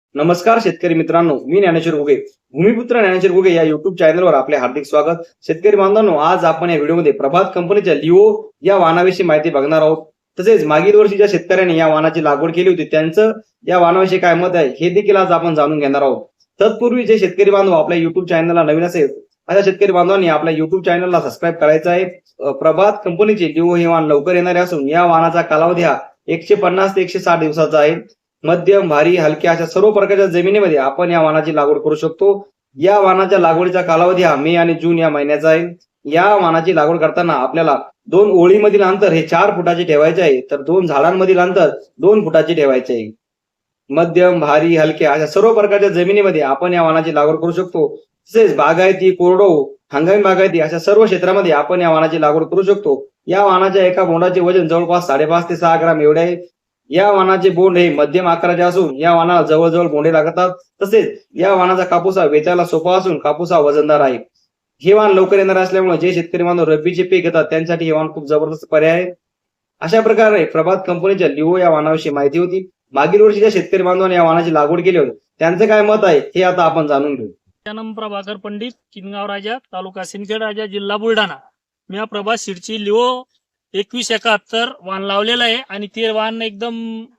नमस्कार शेतकरी मित्रांनो, मी ज्ञानेश्वर घुगे. भूमिपुत्र ज्ञानेश्वर घुगे या युट्यूब चॅनलवर आपले हार्दिक स्वागत. शेतकरी बांधवांनो, आज आपण या व्हिडिओमध्ये प्रभात कंपनीच्या लिओ या वाहनाविषयी माहिती बघणार आहोत. तसेच मागील वर्षी ज्या शेतकऱ्यांनी या वाहनाची लागवड केली होती त्यांचं या वाहनाविषयी काय मत आहे हे देखील आज आपण जाणून घेणार आहोत. तत्पूर्वी जे शेतकरी बांधव आपल्या युट्यूब चॅनलला नवीन असेल अशा शेतकरी बांधवांनी आपल्या युट्यूब चॅनलला सबस्क्राईब करायचं आहे. प्रभात कंपनीचे लिओ हे वाहन लवकर येणारे असून या वाहनाचा कालावधी हा 150 ते 160 दिवसाचा आहे. मध्यम, भारी, हलक्या अशा सर्व प्रकारच्या जमिनीमध्ये आपण या वाहनाची लागवड करू शकतो. या वाहनाच्या लागवडीचा कालावधी हा मे आणि जून या महिन्याचा आहे. या वाहनाची लागवड करताना आपल्याला 2 ओळीमधील अंतर हे 4 फुटाचे ठेवायचे आहे, तर 2 झाडांमधील अंतर 2 फुटाचे ठेवायचे आहे. मध्यम, भारी, हलक्या अशा सर्व प्रकारच्या जमिनीमध्ये आपण या वाहनाची लागवड करू शकतो. तसेच बागायती, कोरडवाहू, हंगामी बागायती अशा सर्व क्षेत्रामध्ये आपण या वाहनाची लागवड करू शकतो. या वाहनाच्या एका बोंडाचे वजन जवळपास 5.5 ते 6 ग्राम एवढे आहे. या वाहनाचे बोंड हे मध्यम आकाराचे असून या वाहनाला जवळजवळ बोंडे लागतात. तसेच या वाहनाचा कापूस हा वेचायला सोपा असून कापूस हा वजनदार आहे. हे वाहन लवकर येणार असल्यामुळे जे शेतकरी बांधव रब्बीचे पीक घेतात त्यांच्यासाठी हे वाहन खूप जबरदस्त पर्याय आहे. अशा प्रकारे प्रभात कंपनीच्या लिओ या वाहनाविषयी माहिती होती. मागील वर्षी ज्या शेतकरी बांधवांनी या वाहनाची लागवड केली होती त्यांचं काय मत आहे हे आता आपण जाणून घेऊ. जन्म प्रभाकर पंडित, किनगाव राजा, तालुका सिंदखेड राजा, जिल्हा बुलढाणा. मी हा प्रभात सीडची लिओ 2171 वाहन लावलेलं आहे आणि ते वाहन एकदम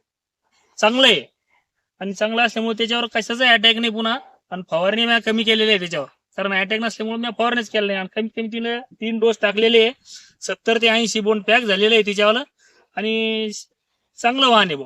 चांगलं आहे आणि चांगलं असल्यामुळे त्याच्यावर कशाचा अटॅक नाही. पुन्हा आणि फवारणी मी कमी केलेली आहे त्याच्यावर, कारण अटॅक नसल्यामुळे मी फवारणीच केलं नाही. आणि कमीत कमी 3 डोस टाकलेले आहे. 70 ते 80 बोंड पॅक झालेले आहे त्याच्यावर आणि चांगलं वाहन आहे.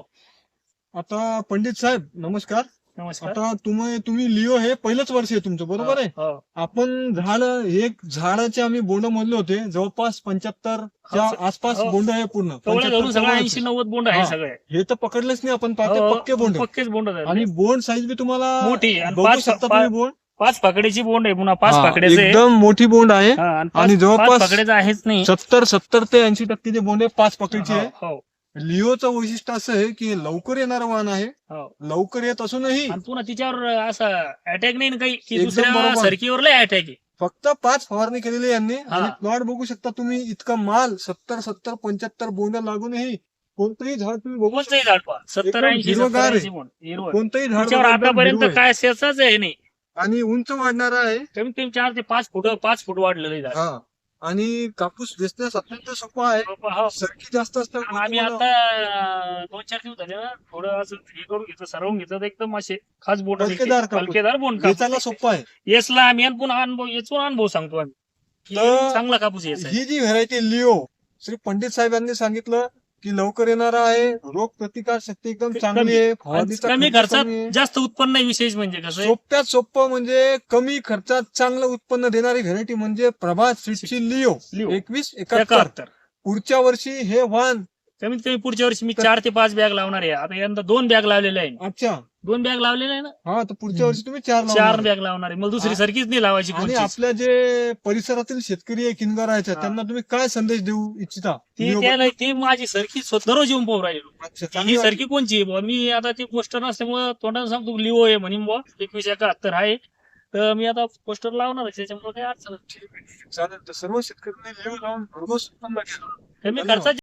आता पंडित साहेब नमस्कार. नमस्कार. आता तुम्ही लिओ हे पहिलंच वर्ष आहे तुमचं, बरोबर आहे? हो. आपण एक झाडाचे आम्ही बोंड मोजले होते, जवळपास 75 च्या आसपास हो. बोंड आहे पूर्ण. तेवढे धरून 75 सगळं जवळच. 80-90 बोंड आहे हा. सगळे. हे तर पकडलेच नाही आपण, पाहते हो, पक्के बोंड आहे. पक्केच बोंड आहेत. आणि बोंड साईज बी तुम्हाला मोठी आणि बघू शकता तुम्ही बोंड. 5 पाकड्याची बोंड आहे. पुन्हा 5 हा, पाकड्याचे आहे. एकदम मोठी बोंड आहे. हा, आणि आणि जवळपास 5 पाकड्याचं आहेच नाही. 70 ते 80% जे बोंड आहे 5 पकडीचे आहे. हो, लिओचं वैशिष्ट्य असं आहे की लवकर येणारं वाहन आहे. हो. लवकर येत असूनही आणि पुन्हा तिच्यावर असा अटॅक नाही ना काही की एकदम दुसऱ्या बरोबर. सरकीवर लय अटॅक आहे. फक्त 5 फवारणी केलेली आहे यांनी. हा. आणि प्लॉट बघू शकता तुम्ही, इतका माल 70-75 बोंड लागूनही कोणतंही झाड तुम्ही बघू कोणतंही झाड पहा 70-80 हिरवंगार आहे. बोंड हिरवं. कोणतंही झाड तिच्यावर बघा, एकदम आतापर्यंत हिरवं आहे. काय शेचाच आहे नाही. आणि उंच वाढणार आहे. कमीत कमी 4 ते 5 फूट वाढलेलं आहे झाड. हा. आणि कापूस वेचण्यास अत्यंत सोपा आहे. हो. सरकी जास्त आणि असल्यामुळे आम्ही तुम्हाला आता 2-4 दिवस झाले ना, थोडं असं हे करून घेतलं, सरवून घेतलं, तर एकदम असे खास बोंड हलकेदार कापूस. हलकेदार बोंड वेचायला सोपा आहे. येसला आम्ही आणि पुन्हा अनुभव सांगतो आम्ही की तर चांगला कापूस येस आहे. ही जी व्हरायटी लिओ श्री पंडित साहेब यांनी सांगितलं की लवकर येणारा आहे, रोग प्रतिकार शक्ती एकदम चांगली आहे, फवारणीचा कमी खर्च खर्चात कमी आहे. जास्त उत्पन्न आहे. विशेष म्हणजे कसं आहे, सोप्यात सोपं म्हणजे कमी खर्चात चांगलं उत्पन्न देणारी व्हरायटी म्हणजे प्रभात सीडची लिओ लिओ 2171. 71. पुढच्या वर्षी हे वाहन कमीत कमी पुढच्या वर्षी मी 4 ते 5 बॅग लावणार आहे. आता यंदा 2 बॅग लावलेल्या आहे. अच्छा 2 बॅग लावलेल्या आहे ना, हा, तर पुढच्या वर्षी तुम्ही 4 4 बॅग लावणार आहे. मला दुसरी हा. सारखीच नाही लावायची आणि कोणतीच. आपल्या जे परिसरातील शेतकरी आहे किनगारायच्या हा. त्यांना तुम्ही काय संदेश देऊ इच्छिता? लिओ ती माझी सरकी दररोज येऊन पाहू राहिलो. अच्छा, ही चांगली सरकी कोणची आहे बुवा? मी आता ती पोस्टर नसल्यामुळे तोंडाने सांगतो लिओ आहे म्हणून बुवा 2171 आहे. तर मी आता पोस्टर लावणार आहे, त्याच्यामुळे काही अडचण नाही. चालेल. तर सर्व शेतकऱ्यांनी लिओ लावून भरघोस उत्पन्न घ्या. कमी धन्यवाद. खर्चात